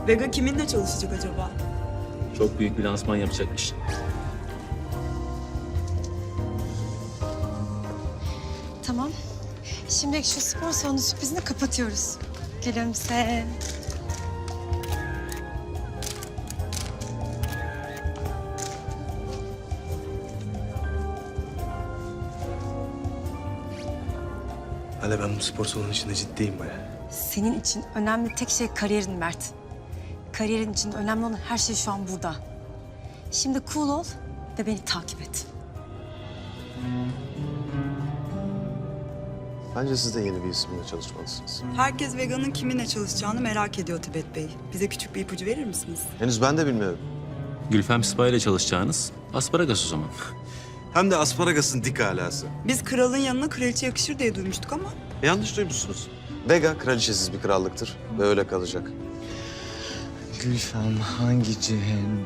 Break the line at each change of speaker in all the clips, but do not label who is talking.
Vega kiminle çalışacak acaba?
Çok büyük bir lansman yapacakmış.
Tamam. Şimdi şu spor salonu sürprizini kapatıyoruz. Gülümse.
Hala ben bu spor salonu içinde ciddiyim bayağı.
Senin için önemli tek şey kariyerin Mert. Kariyerin için önemli olan her şey şu an burada. Şimdi cool ol ve beni takip et.
Bence siz de yeni bir isimle çalışmalısınız.
Herkes Vega'nın kiminle çalışacağını merak ediyor Tibet Bey. Bize küçük bir ipucu verir misiniz?
Henüz ben de bilmiyorum.
Gülfem Sipa ile çalışacağınız asparagas o zaman.
Hem de asparagasın dik alası.
Biz kralın yanına kraliçe yakışır diye duymuştuk ama...
Yanlış duymuşsunuz. Vega kraliçesiz bir krallıktır ve öyle kalacak.
Gülfem hangi cehennem?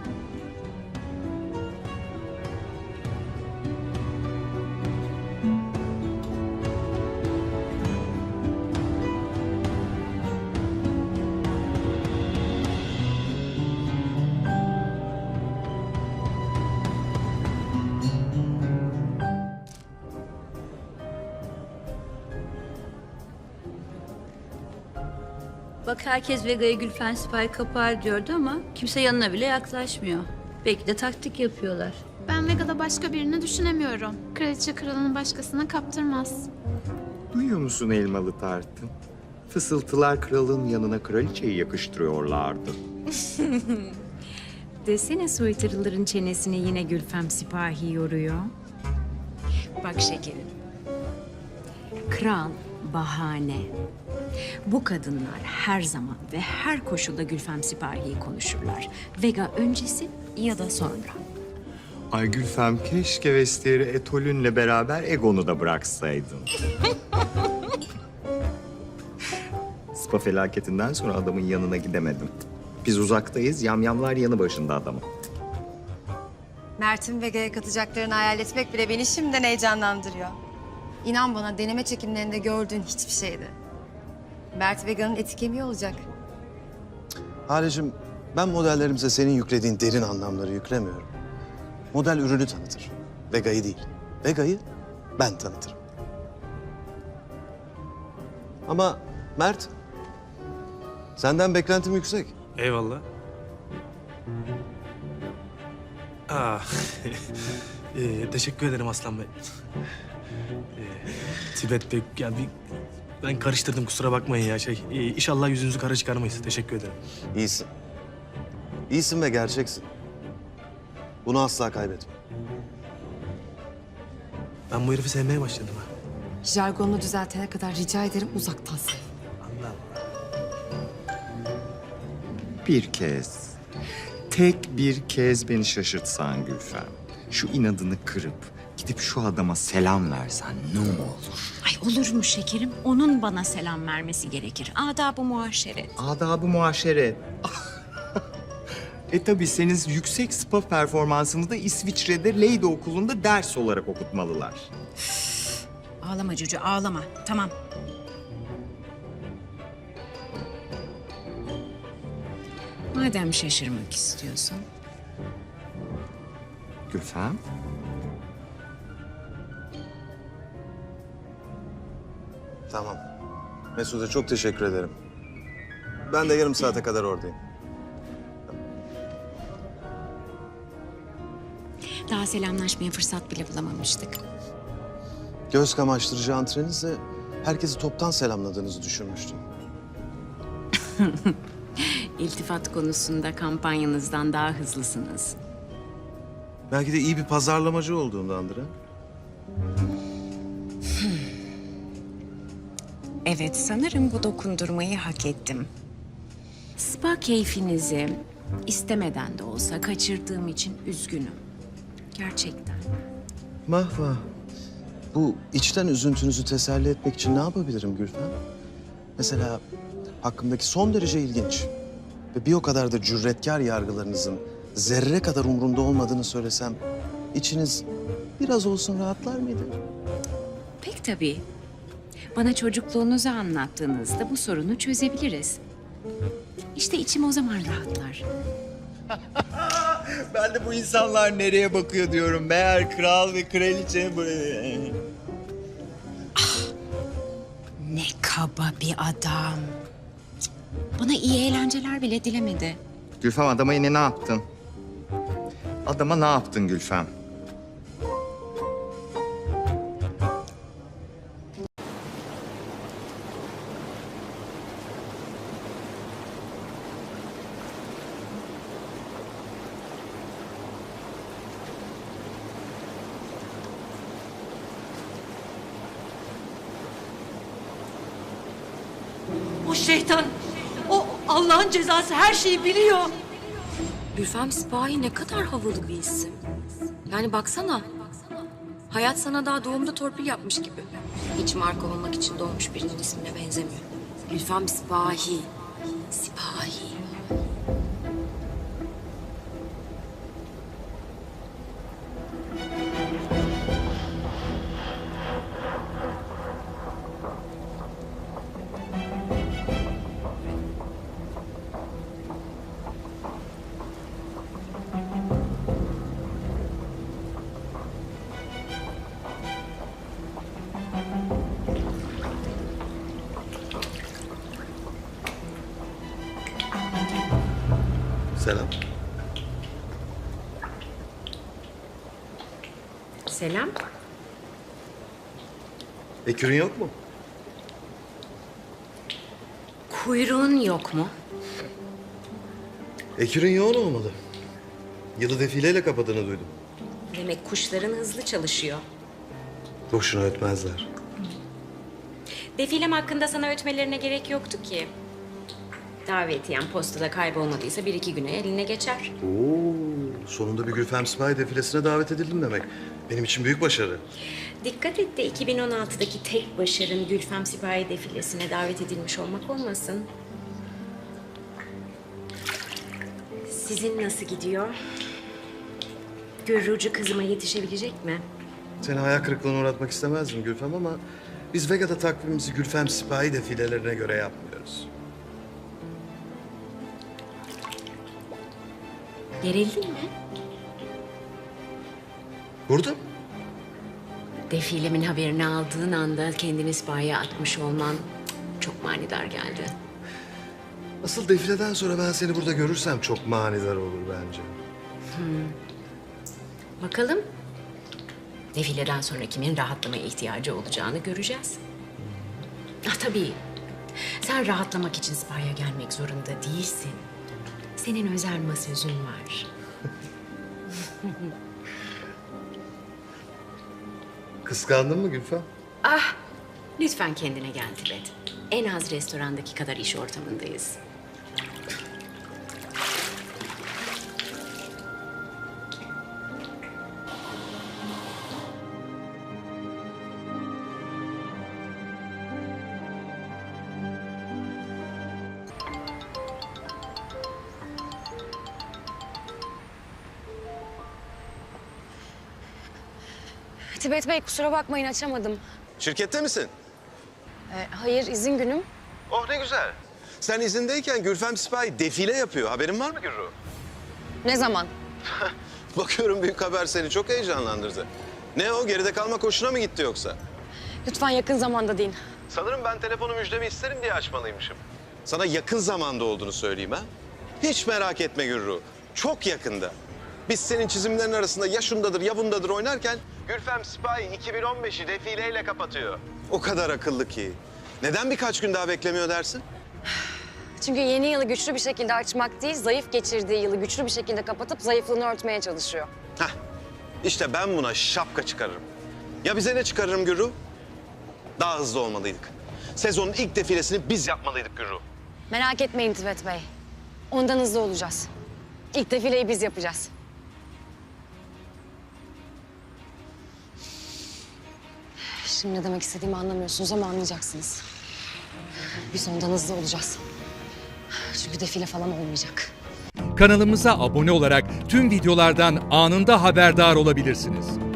Bak herkes Vega'yı Gülfen Sipa'yı kapar diyordu ama kimse yanına bile yaklaşmıyor. Belki de taktik yapıyorlar.
Ben Vega'da başka birini düşünemiyorum. Kraliçe kralını başkasına kaptırmaz.
Duyuyor musun elmalı tartın? Fısıltılar kralın yanına kraliçeyi yakıştırıyorlardı.
Desene soytarıların çenesini yine Gülfem Sipahi yoruyor. Bak şekerim. Kral bahane. Bu kadınlar her zaman ve her koşulda Gülfem Sipahi'yi konuşurlar. Vega öncesi ya da sonra.
Ay Gülfem keşke Vestiyer'i Etolün'le beraber Egon'u da bıraksaydın. Spa felaketinden sonra adamın yanına gidemedim. Biz uzaktayız, yamyamlar yanı başında adamın.
Mert'in Vega'ya katacaklarını hayal etmek bile beni şimdiden heyecanlandırıyor. İnan bana deneme çekimlerinde gördüğün hiçbir şeydi. Mert Vega'nın eti kemiği olacak.
Halicim, ben modellerimize senin yüklediğin derin anlamları yüklemiyorum. Model ürünü tanıtır. Vega'yı değil. Vega'yı ben tanıtırım. Ama Mert, senden beklentim yüksek.
Eyvallah. Teşekkür ederim Aslan Bey. Tibet Bey, ya ben karıştırdım kusura bakmayın ya İnşallah yüzünüzü kara çıkarmayız. Teşekkür ederim.
İyisin. İyisin ve gerçeksin. Bunu asla kaybetme.
Ben bu herifi sevmeye başladım ha.
Jargonunu düzeltene kadar rica ederim uzaktan sev.
Anladım.
Bir kez, tek bir kez beni şaşırtsan Gülfem. Şu inadını kırıp gidip şu adama selam versen ne olur?
Ay olur mu şekerim? Onun bana selam vermesi gerekir. Adab-ı muaşeret.
Adab-ı muaşeret. Tabii senin yüksek spa performansını da İsviçre'de Leyde Okulu'nda ders olarak okutmalılar.
Ağlama Cucu, ağlama. Tamam. Madem şaşırmak istiyorsun.
Gülfem,
Tamam. Mesut'a çok teşekkür ederim. Ben de yarım saate kadar oradayım.
Daha selamlaşmaya fırsat bile bulamamıştık.
Göz kamaştırıcı antrenizle herkesi toptan selamladığınızı düşünmüştüm.
İltifat konusunda kampanyanızdan daha hızlısınız.
Belki de iyi bir pazarlamacı olduğundandır ha?
Evet, sanırım bu dokundurmayı hak ettim. Spa keyfinizi istemeden de olsa kaçırdığım için üzgünüm. Gerçekten.
Vah vah. Bu içten üzüntünüzü teselli etmek için ne yapabilirim Gülfem? Mesela hakkımdaki son derece ilginç ve bir o kadar da cüretkar yargılarınızın zerre kadar umurumda olmadığını söylesem içiniz biraz olsun rahatlar mıydı?
Pek tabii. Bana çocukluğunuzu anlattığınızda bu sorunu çözebiliriz. İşte içim o zaman rahatlar.
Ben de bu insanlar nereye bakıyor diyorum. Meğer kral ve kraliçe buraya.
Ne kaba bir adam. Cık, bana iyi eğlenceler bile dilemedi.
Gülfem, adama yine ne yaptın? Adama ne yaptın Gülfem?
O şeytan, o Allah'ın cezası her şeyi biliyor.
Gülfem Sipahi ne kadar havalı bir isim. Yani baksana. Hayat sana daha doğumda torpil yapmış gibi. Hiç marka olmak için doğmuş birinin ismine benzemiyor. Gülfem Sipahi. Sipahi.
Selam.
Selam.
Ekürün yok mu?
Kuyruğun yok mu?
Ekürün yoğun olmalı. Yılı defileyle kapadığını duydum.
Demek kuşların hızlı çalışıyor.
Boşuna ötmezler.
Defilem hakkında sana ötmelerine gerek yoktu ki. Davetiyen postada kaybolmadıysa 1-2 güne eline geçer.
Oo, sonunda bir Gülfem Sipahi defilesine davet edildim demek. Benim için büyük başarı.
Dikkat et de 2016'daki tek başarın Gülfem Sipahi defilesine davet edilmiş olmak olmasın. Sizin nasıl gidiyor? Gürrucu kızıma yetişebilecek mi?
Seni hayal kırıklığına uğratmak istemezdim Gülfem ama... ...biz Vega'da takvimimizi Gülfem Sipahi defilelerine göre yapmıyoruz.
Gerildin mi?
Burada?
Defilemin haberini aldığın anda kendini Sipahi'ye atmış olman çok manidar geldi.
Asıl defileden sonra ben seni burada görürsem çok manidar olur bence.
Bakalım. Defileden sonra kimin rahatlamaya ihtiyacı olacağını göreceğiz. Ah tabii. Sen rahatlamak için Sipahi'ye gelmek zorunda değilsin. Senin özel masözün var.
Kıskandın mı Gülfem?
Ah, lütfen kendine gel Tibet. En az restorandaki kadar iş ortamındayız.
Tibet Bey kusura bakmayın açamadım.
Şirkette misin?
Hayır izin günüm.
Oh ne güzel. Sen izindeyken Gülfem Sipahi defile yapıyor. Haberin var mı Gürru?
Ne zaman?
Bakıyorum büyük haber seni çok heyecanlandırdı. Ne o, geride kalmak hoşuna mı gitti yoksa?
Lütfen yakın zamanda deyin.
Sanırım ben telefonu müjdemi isterim diye açmalıymışım. Sana yakın zamanda olduğunu söyleyeyim ha. Hiç merak etme Gürru. Çok yakında. Biz senin çizimlerin arasında ya şundadır ya bundadır oynarken... Gülfem Sipahi 2015'i defileyle kapatıyor. O kadar akıllı ki. Neden birkaç gün daha beklemiyor dersin?
Çünkü yeni yılı güçlü bir şekilde açmak değil, zayıf geçirdiği yılı güçlü bir şekilde kapatıp zayıflığını örtmeye çalışıyor.
Heh, işte ben buna şapka çıkarırım. Ya bize ne çıkarırım Gürru? Daha hızlı olmalıydık. Sezonun ilk defilesini biz yapmalıydık Gürru.
Merak etmeyin Tibet Bey. Ondan hızlı olacağız. İlk defileyi biz yapacağız. Şimdi ne demek istediğimi anlamıyorsunuz ama anlayacaksınız. Biz ondan hızlı olacağız. Çünkü defile falan olmayacak.
Kanalımıza abone olarak tüm videolardan anında haberdar olabilirsiniz.